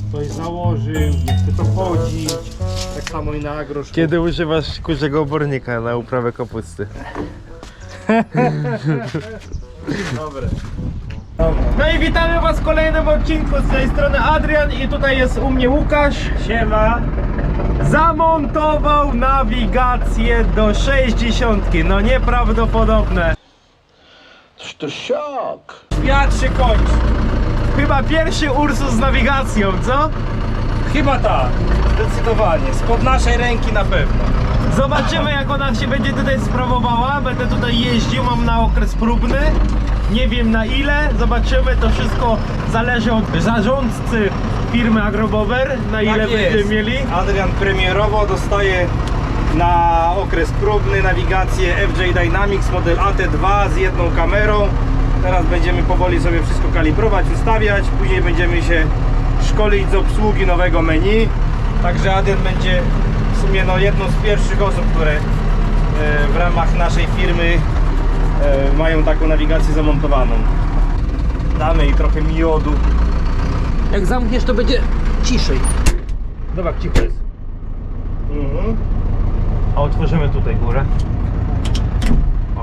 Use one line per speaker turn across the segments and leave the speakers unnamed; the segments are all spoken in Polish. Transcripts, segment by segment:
ktoś założył, nie chce to chodzić. Tak samo i na agroszkół.
Kiedy używasz kurzego obornika na uprawę kapusty?
Dobre. No i witamy was w kolejnym odcinku. Z tej strony Adrian i tutaj jest u mnie Łukasz. Siema. Zamontował nawigację do 60. No nieprawdopodobne.
To szok!
Świat się kończy. Chyba pierwszy Ursus z nawigacją, co? Chyba tak, zdecydowanie. Spod naszej ręki na pewno. Zobaczymy, jak ona się będzie tutaj sprawowała. Będę tutaj jeździł, mam na okres próbny. Nie wiem na ile, zobaczymy. To wszystko zależy od zarządcy firmy Agrobower, na ile będziemy mieli. Adrian premierowo dostaje na okres próbny nawigację FJ Dynamics model AT2 z jedną kamerą. Teraz będziemy powoli sobie wszystko kalibrować, ustawiać. Później będziemy się szkolić z obsługi nowego menu. Także Adrian będzie w sumie jedną z pierwszych osób, które w ramach naszej firmy mają taką nawigację zamontowaną. Damy jej trochę miodu. Jak zamkniesz, to będzie ciszej. Dobra, cicho jest. A otworzymy tutaj górę. O.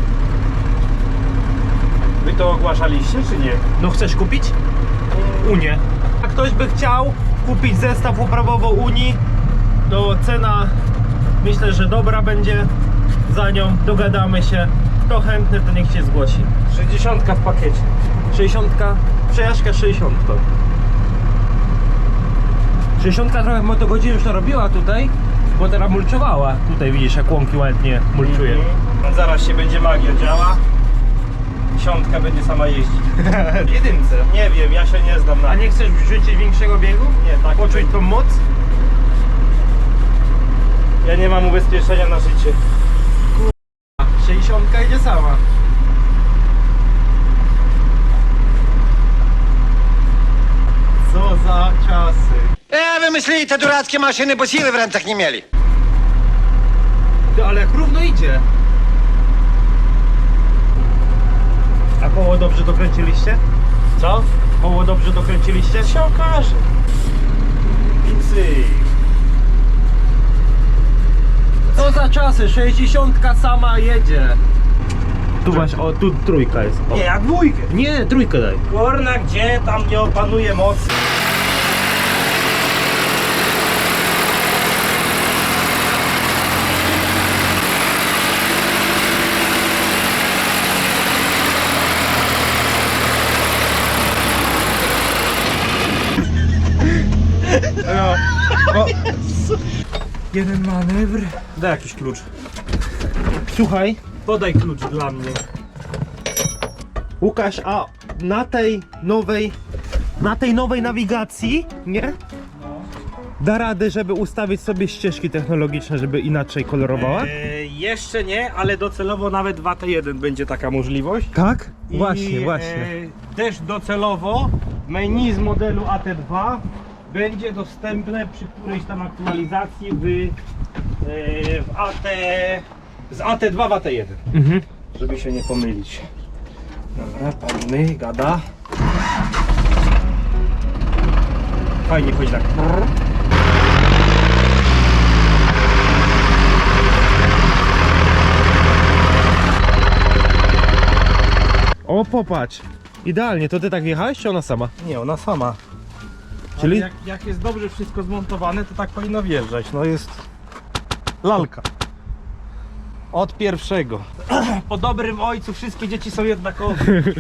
Wy to ogłaszaliście, czy nie? No chcesz kupić? Unię. A ktoś by chciał kupić zestaw uprawowo-Unii, to cena myślę, że dobra będzie za nią. Dogadamy się. Kto chętny, to niech się zgłosi. 60 w pakiecie. 60, przejażdżka 60. 60 trochę motogodzin już to robiła tutaj, bo teraz mulczowała. Tutaj widzisz, jak łąki ładnie mulczuje. Zaraz się będzie magia działa. 10 będzie sama jeździć. Jedynce. Nie wiem, ja się nie znam na. A nie chcesz wrzucić większego biegu? Nie, tak. Poczuć tą moc? Ja nie mam ubezpieczenia na życie. Kurwa, 60 idzie sama. Co za czasy.
Wymyślili te durackie maszyny, bo siły w rękach nie mieli.
Ty, ale jak równo idzie. A koło dobrze dokręciliście? Co? Koło dobrze dokręciliście? Się okaże. I cyk. Co za czasy? 60 sama jedzie. Tu masz, o tu trójka jest. O. Nie, jak dwójkę. Nie, trójkę daj. Kurna, gdzie tam nie opanuje mocy? No. Jeden manewr. Daj jakiś klucz. Słuchaj, podaj klucz dla mnie. Łukasz, a na tej nowej nawigacji, nie? Da radę, żeby ustawić sobie ścieżki technologiczne, żeby inaczej kolorowała? Jeszcze nie, ale docelowo nawet w AT1 będzie taka możliwość.
Tak?
I,
Właśnie.
też docelowo menu z modelu AT2 będzie dostępne przy którejś tam aktualizacji z AT2 w AT1. Żeby się nie pomylić. Dobra, palny, gada. Fajnie chodzi tak.
O, popatrz. Idealnie, to ty tak jechałeś, czy ona sama?
Nie, ona sama.
Czyli?
Jak jest dobrze wszystko zmontowane, to tak powinno wjeżdżać. No jest lalka. Od pierwszego. Po dobrym ojcu wszystkie dzieci są jednakowe.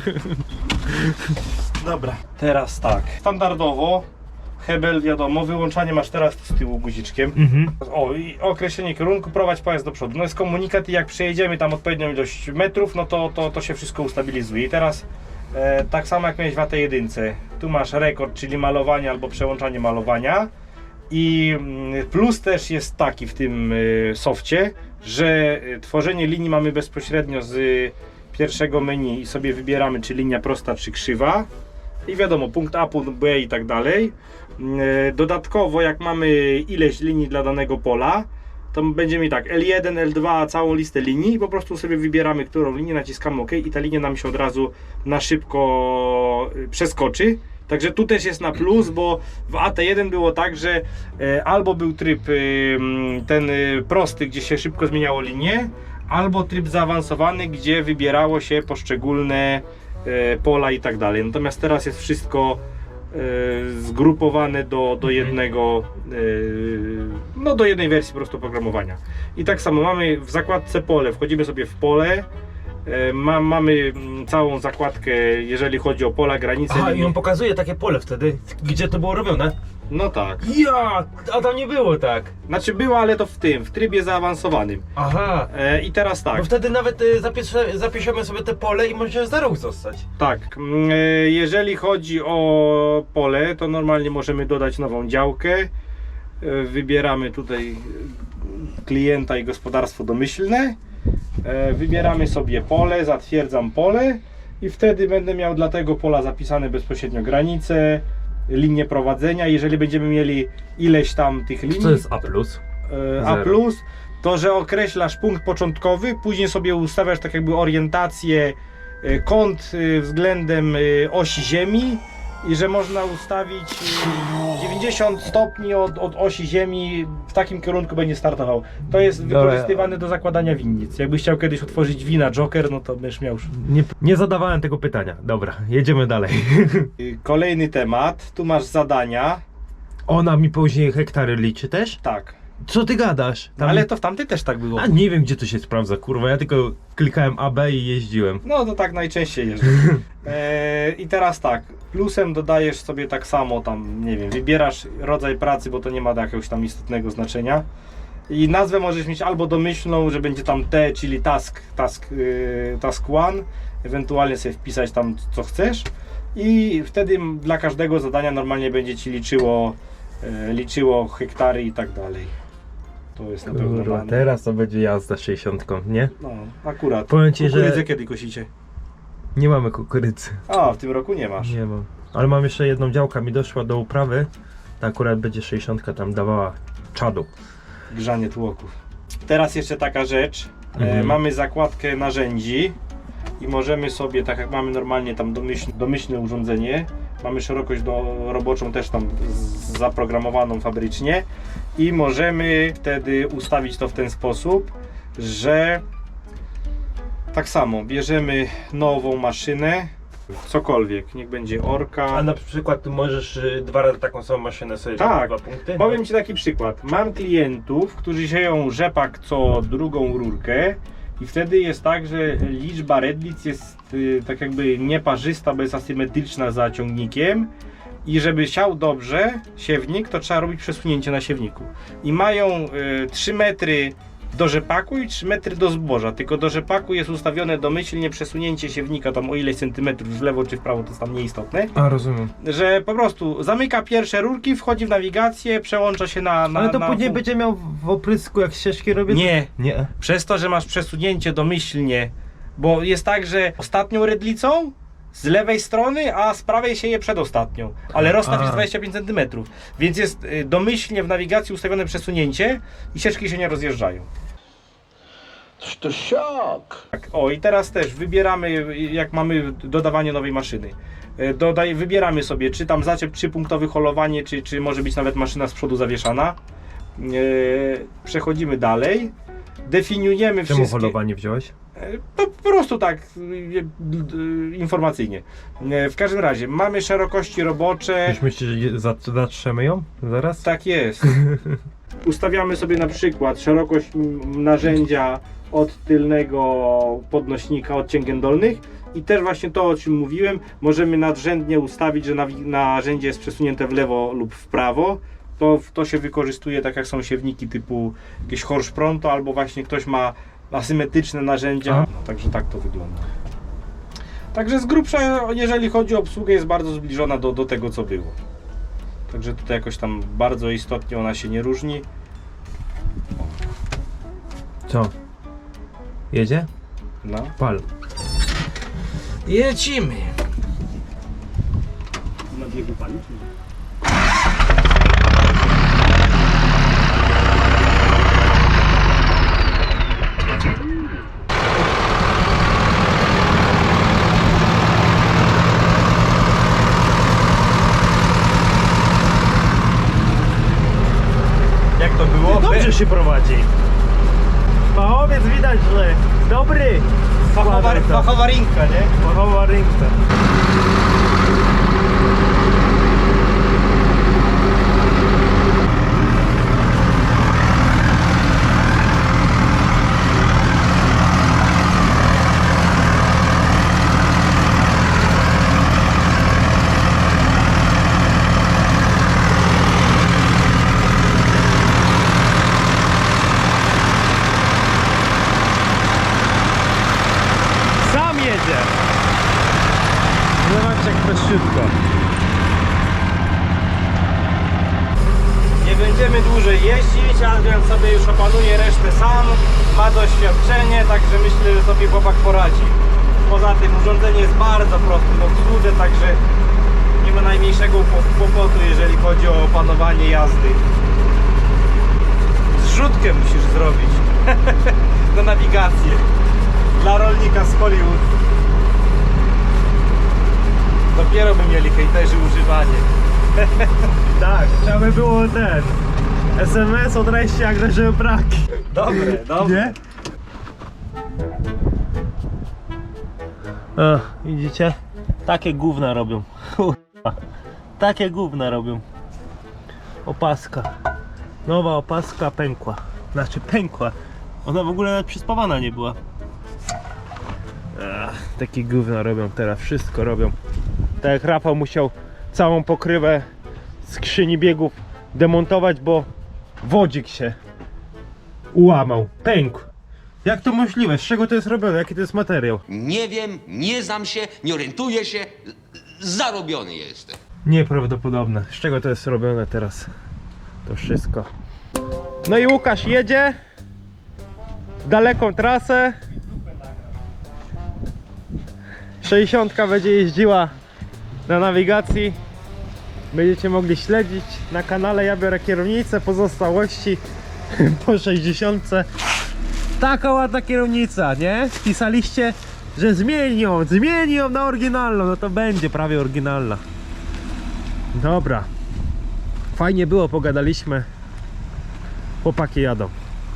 Dobra, teraz tak. Standardowo hebel, wiadomo, wyłączanie masz teraz z tyłu guziczkiem. O, i określenie kierunku, prowadź pojazd do przodu. No jest komunikat i jak przejedziemy tam odpowiednią ilość metrów, no to się wszystko ustabilizuje. I teraz tak samo jak miałeś w AT1, tu masz rekord, czyli malowanie albo przełączanie malowania. I plus też jest taki w tym softie, że tworzenie linii mamy bezpośrednio z pierwszego menu i sobie wybieramy, czy linia prosta, czy krzywa. I wiadomo, punkt A, punkt B i tak dalej. Dodatkowo, jak mamy ileś linii dla danego pola, to będziemy tak, L1, L2, całą listę linii i po prostu sobie wybieramy, którą linię, naciskamy OK i ta linia nam się od razu na szybko przeskoczy Także tu też jest na plus, bo w AT1 było tak, że albo był tryb ten prosty, gdzie się szybko zmieniało linię, albo tryb zaawansowany, gdzie wybierało się poszczególne pola i tak dalej. Natomiast teraz jest wszystko zgrupowane do jednego, no do jednej wersji po prostu oprogramowania. I tak samo mamy w zakładce pole, wchodzimy sobie w pole, mamy całą zakładkę, jeżeli chodzi o pola, granice.
Aha, i
linii.
on pokazuje takie pole wtedy, gdzie to było robione.
No tak.
Ja, a tam nie było tak.
Znaczy było, ale to w trybie zaawansowanym.
Aha.
I teraz tak.
Bo wtedy nawet zapiszemy sobie te pole i może za rok zostać.
Tak, jeżeli chodzi o pole, to normalnie możemy dodać nową działkę. Wybieramy tutaj klienta i gospodarstwo domyślne. Wybieramy sobie pole, zatwierdzam pole i wtedy będę miał dla tego pola zapisane bezpośrednio granice, linie prowadzenia. Jeżeli będziemy mieli ileś tam tych linii,
Co jest A+.
A+, to że określasz punkt początkowy, później sobie ustawiasz tak jakby orientację, kąt względem osi Ziemi i że można ustawić 90 stopni od osi Ziemi, w takim kierunku będzie startował. To jest wykorzystywane do zakładania winnic. Jakbyś chciał kiedyś otworzyć wina Joker, no to będziesz miał już.
Nie zadawałem tego pytania. Dobra, jedziemy dalej.
Kolejny temat, tu masz zadania.
Ona mi później hektary liczy też?
Tak,
Co ty gadasz? Tam...
ale to w tamtej też tak było.
A nie wiem, gdzie to się sprawdza, kurwa. Ja tylko klikałem AB i jeździłem.
No to tak najczęściej jeżdżę. I teraz tak, plusem dodajesz sobie tak samo tam, nie wiem, wybierasz rodzaj pracy, bo to nie ma jakiegoś tam istotnego znaczenia. I nazwę możesz mieć albo domyślną, że będzie tam T, czyli task one, ewentualnie sobie wpisać tam co chcesz i wtedy dla każdego zadania normalnie będzie ci liczyło hektary i tak dalej. To jest na pewno
Kurwa,
dane.
teraz to będzie jazda 60, nie?
No, akurat.
Powiem ci, że
Kukurydzę kiedy kosicie?
nie mamy kukurydzy.
A, w tym roku nie masz.
Nie mam. Ale mam jeszcze jedną działkę, mi doszła do uprawy. To akurat będzie 60 tam dawała czadu.
Grzanie tłoków. Teraz jeszcze taka rzecz.
Mhm.
Mamy zakładkę narzędzi i możemy sobie, tak jak mamy normalnie tam domyślne urządzenie, mamy szerokość roboczą też tam zaprogramowaną fabrycznie i możemy wtedy ustawić to w ten sposób, że tak samo bierzemy nową maszynę, cokolwiek, niech będzie orka.
A na przykład tu możesz 2 razy taką samą maszynę sobie
Tak,
2 punkty?
powiem Ci taki przykład. Mam klientów, którzy sieją rzepak co drugą rurkę i wtedy jest tak, że liczba redlic jest tak jakby nieparzysta, bo jest asymetryczna za ciągnikiem i żeby siał dobrze siewnik, to trzeba robić przesunięcie na siewniku. I mają 3 metry do rzepaku i 3 metry do zboża, tylko do rzepaku jest ustawione domyślnie przesunięcie siewnika tam o ileś centymetrów w lewo czy w prawo, to jest tam nieistotne,
A, rozumiem.
że po prostu zamyka pierwsze rurki, wchodzi w nawigację, przełącza się na
Ale to później będzie miał w oprysku, jak ścieżki robię?
Nie,
Nie.
przez to, że masz przesunięcie domyślnie, bo jest tak, że ostatnią redlicą z lewej strony, a z prawej sieje przedostatnią, ale rozstaw jest 25 cm, więc jest domyślnie w nawigacji ustawione przesunięcie i ścieżki się nie rozjeżdżają.
To szok.
Tak, o i teraz też wybieramy, jak mamy dodawanie nowej maszyny. Wybieramy sobie, czy tam zaczep 3-punktowy holowanie, czy może być nawet maszyna z przodu zawieszana. Przechodzimy dalej. Definiujemy
Czemu
wszystkie...
holowanie wziąłeś?
Po prostu tak informacyjnie. W każdym razie mamy szerokości robocze.
Już myślisz, że zatrzemy ją zaraz?
Tak jest. Ustawiamy sobie na przykład szerokość narzędzia od tylnego podnośnika, od cięgien dolnych i też właśnie to, o czym mówiłem, możemy nadrzędnie ustawić, że narzędzie jest przesunięte w lewo lub w prawo. To się wykorzystuje tak jak są siewniki typu jakieś Horsch Pronto albo właśnie ktoś ma asymetryczne narzędzia, także tak to wygląda. Także z grubsza, jeżeli chodzi o obsługę, jest bardzo zbliżona do tego, co było. Także tutaj jakoś tam bardzo istotnie ona się nie różni.
Co? Jedzie?
No.
Pal.
Lecimy! Na biegu pali, czy nie? jak to było.
Dobrze się prowadzi. Fachowiec widać, że dobry. Składaj to.
Fachowa rinka, nie?
Fachowa rynka. Sam jedzie. Zobaczcie jak prościutko.
Nie będziemy dłużej jeździć, Adrian sobie już opanuje resztę sam, ma doświadczenie, także myślę, że sobie chłopak poradzi. Poza tym urządzenie jest bardzo proste w obsłudze, także nie ma najmniejszego kłopotu, jeżeli chodzi o opanowanie jazdy. Zrzutkę musisz zrobić na nawigację dla rolnika z Hollywood. Dopiero by mieli hejterzy używanie.
Tak, trzeba by było ten SMS od rejścia jak leży braki.
Dobre, dobre.
Nie? O, widzicie? Takie gówna robią. Kurwa. Takie gówna robią. Opaska. Nowa opaska pękła. Znaczy pękła. Ona w ogóle nawet przyspawana nie była. Takie gówna robią teraz. Wszystko robią. Tak jak Rafał musiał całą pokrywę skrzyni biegów demontować, bo wodzik się ułamał. Pękł. Jak to możliwe? Z czego to jest robione? Jaki to jest materiał?
Nie wiem, nie znam się, nie orientuję się. Zarobiony jestem.
Nieprawdopodobne. Z czego to jest robione teraz? To wszystko. No i Łukasz jedzie w daleką trasę. 60 będzie jeździła na nawigacji. Będziecie mogli śledzić na kanale. Ja biorę kierownicę, pozostałości po 60. Taka ładna kierownica, nie? Pisaliście, że zmienią na oryginalną. No to będzie prawie oryginalna. Dobra. Fajnie było, pogadaliśmy. Chłopaki jadą.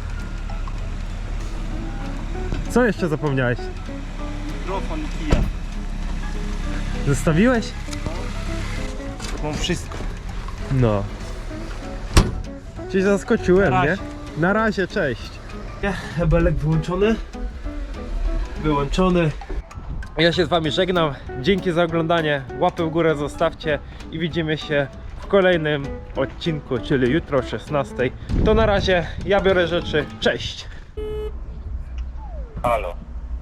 Co jeszcze zapomniałeś?
Mikrofon i kija.
Zostawiłeś?
Mam wszystko.
No. Cię zaskoczyłem,
Na
nie?
razie.
Na razie, cześć. Hebelek wyłączony. Wyłączony. Ja się z wami żegnam. Dzięki za oglądanie. Łapę w górę zostawcie i widzimy się w kolejnym odcinku, czyli jutro o 16. To na razie, ja biorę rzeczy. Cześć.
Halo.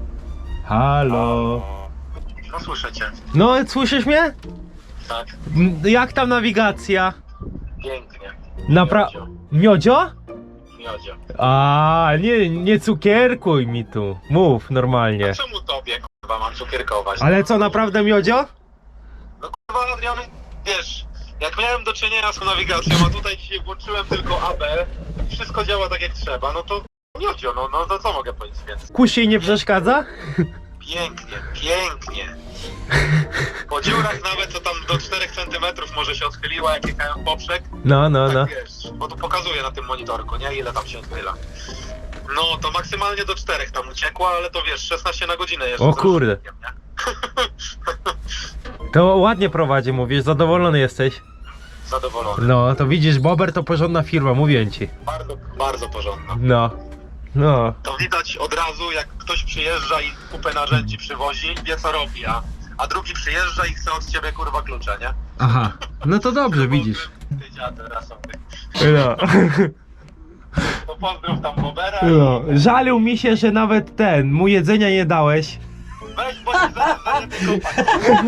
Halo.
No słyszę cię.
No, słyszysz mnie?
Tak,
Jak tam nawigacja?
pięknie.
Miodzio?
Miodzio.
A, nie cukierkuj mi tu. Mów normalnie.
Czemu tobie, kurwa, mam cukierkować?
Ale co, naprawdę miodzio?
No kurwa, Adrian, wiesz, jak miałem do czynienia z nawigacją, a tutaj dzisiaj włączyłem tylko AB, wszystko działa tak jak trzeba, no to miodzio, no to co mogę powiedzieć więcej?
Kusi nie przeszkadza?
Pięknie, pięknie. Po dziurach nawet, co tam do 4 cm może się odchyliła, jak jechałem poprzek.
No.
Tak wiesz, bo tu pokazuje na tym monitorku, nie? Ile tam się odchyla. No, to maksymalnie do 4 tam uciekła, ale to wiesz, 16 na godzinę jeszcze.
O kurde. To ładnie prowadzi, mówisz, zadowolony jesteś?
Zadowolony.
No, to widzisz, Bober to porządna firma, mówię ci.
Bardzo, bardzo porządna.
No.
To widać od razu, jak ktoś przyjeżdża i kupę narzędzi przywozi, wie co robi, a drugi przyjeżdża i chce od ciebie kurwa klucze, nie?
Aha, no to dobrze, widzisz.
Ty dziadę rasowy.
No.
To pozdrów tam Bobera
No. Żalił mi się, że nawet mu jedzenia nie dałeś.
weź, bo się zaraz zajebie kopać.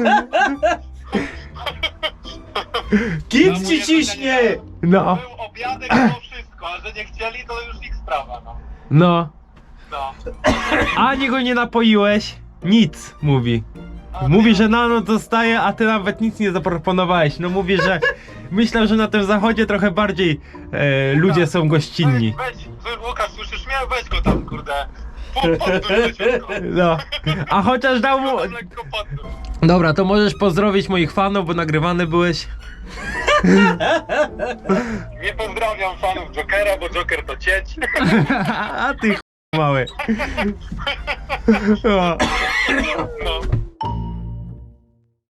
Kit ci ciśnie!
No.
Był obiadek, było wszystko, a że nie chcieli, to już ich sprawa, no.
No.
No.
Ani go nie napoiłeś. Nic, mówi. Mówi, że na noc zostaje, a ty nawet nic nie zaproponowałeś. No mówi, że myślę, że na tym zachodzie trochę bardziej ludzie są gościnni.
Weź, Łukasz, słyszysz mnie? Weź go tam, kurde. Podduj ciutko.
No. A chociaż dał mu...
Tam lekko podduj.
Dobra, to możesz pozdrowić moich fanów, bo nagrywany byłeś.
Nie pozdrawiam fanów Jokera, bo Joker to cieć.
A ty mały. O.
No.